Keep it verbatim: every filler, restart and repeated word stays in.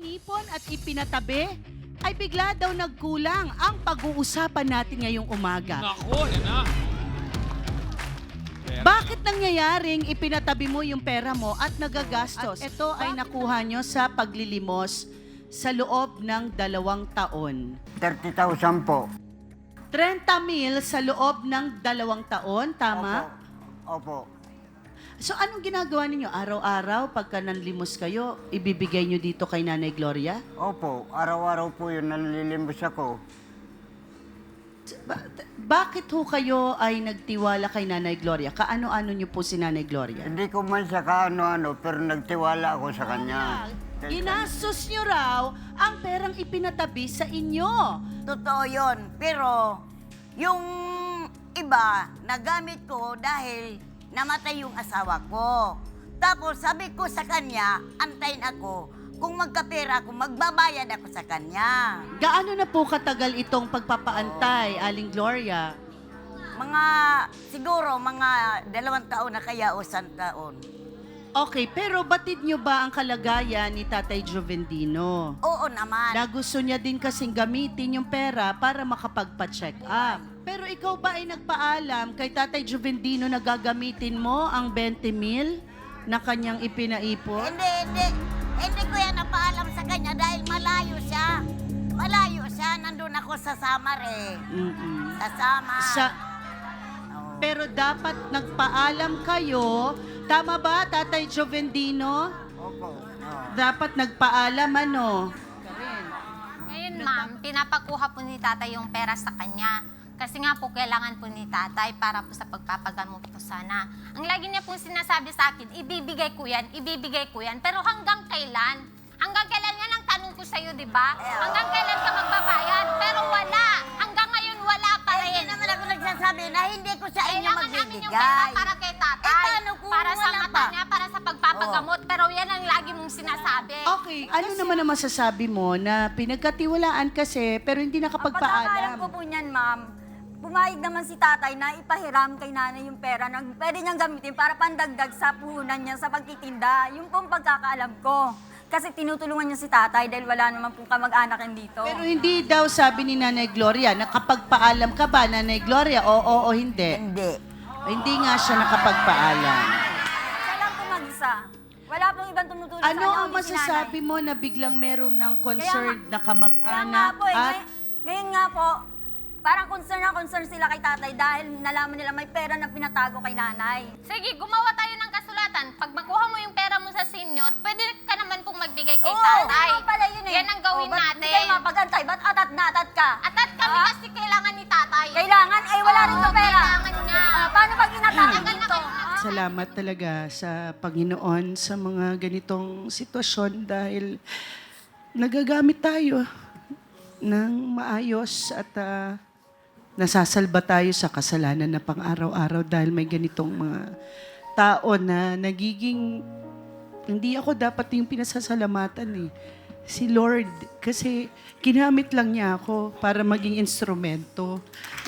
inipon at ipinatabi, ay bigla daw nagkulang ang pag-uusapan natin ngayong umaga. Nako, yan na. Pera. Bakit nangyayaring ipinatabi mo yung pera mo at nagagastos? At ito ay nakuha nyo sa paglilimos sa loob ng dalawang taon. thirty thousand po. thirty mil sa loob ng dalawang taon, tama? Opo. Opo. So anong ginagawa ninyo? Araw-araw, pagka nanlimos kayo, ibibigay nyo dito kay Nanay Gloria? Opo. Araw-araw po yun, nalilimbos ako. Ba- bakit ho kayo ay nagtiwala kay Nanay Gloria? Kaano-ano nyo po si Nanay Gloria? Hindi ko man siya kaano-ano, pero nagtiwala ako sa kanya. Ginastos nyo raw ang perang ipinatabi sa inyo. Totoo yun. Pero yung iba, nagamit ko dahil namatay yung asawa ko. Tapos sabi ko sa kanya, antayin ako. Kung magkapera ako, magbabayad ako sa kanya. Gaano na po katagal itong pagpapaantay, Aling Gloria? Mga, siguro, mga dalawang taon na kaya o isang taon. Okay, pero batid nyo ba ang kalagayan ni Tatay Juvendino? Oo naman. Na gusto niya din kasing gamitin yung pera para makapagpa-check up. Pero ikaw ba ay nagpaalam kay Tatay Juvendino na gagamitin mo ang twenty mil na kanyang ipinaipon? Hindi, hindi. Hindi ko yan napaalam sa kanya dahil malayo siya. Malayo siya. Nandun ako sa Samar eh. Mm-mm. Sa Samar. Sa, Oo. pero dapat nagpaalam kayo. Tama ba, Tatay Juvendino? Opo. Oo. Dapat nagpaalam, ano? Ngayon, ma'am, pinapakuha po ni tatay yung pera sa kanya. Kasi nga po, kailangan po ni tatay para po sa pagpapagamot po sana. Ang lagi niya pong sinasabi sa akin, ibibigay ko yan, ibibigay ko yan. Pero hanggang kailan? Hanggang kailan yan ang tanong ko sa'yo, di ba? Hanggang kailan ka magbabayad? Pero wala. Hanggang ngayon, wala pa Eh, rin. hindi naman ako nagsasabi na hindi ko sa inyo Kailangan namin magbibigay. yung pera para kay tatay. Eh, paano kung para sa wala mata pa? niya, para sa pagpapagamot. Pero yan ang lagi mong sinasabi. Okay, ano naman ang masasabi mo na pinagkatiwalaan kasi pero hindi Ang pagkakaalam nakapagpaalam? ko po niyan, ma'am, pumayag naman si tatay na ipahiram kay nanay yung pera na pwede niyang gamitin para pandagdag sa puhunan niya sa pagtitinda. Yung pong pagkakaalam ko. Kasi tinutulungan niya si tatay dahil wala naman pong kamag-anak yan dito. Pero hindi daw sabi ni Nanay Gloria, nakapagpaalam ka ba, Nanay Gloria? Oo o hindi? Hindi. Hindi nga siya nakapagpaalam. Siya lang po mag-isa. Wala pong ibang tumutulong sa Ano kanya. ang kundi si masasabi nanay. mo na biglang meron ng Kaya concerned na Kaya nga kamag-anak po, eh, at ngay- ngayon nga po, parang concern na concern sila kay tatay dahil nalaman nila may pera na pinatago kay nanay. Sige, gumawa tayo ng kasulatan. Pag makuha mo yung pera mo sa senior, pwede ka naman pong magbigay kay Oo, tatay. oo pala yun eh. Yan ang gawin Oh, ba't natin. Hindi kayo mapagantay, ba't atat na atat ka? Atat kami Ah? kasi kailangan ni tatay. Kailangan, eh wala rin Oo, to pera. kailangan niya. Ah, paano pag inatago Tagal na dito? kayo- salamat talaga sa Panginoon sa mga ganitong sitwasyon dahil nagagamit tayo ng maayos at ah, nasasalba tayo sa kasalanan na pang-araw-araw dahil may ganitong mga tao na nagiging hindi ako dapat yung pinasasalamatan eh. Si Lord, kasi ginamit lang niya ako para maging instrumento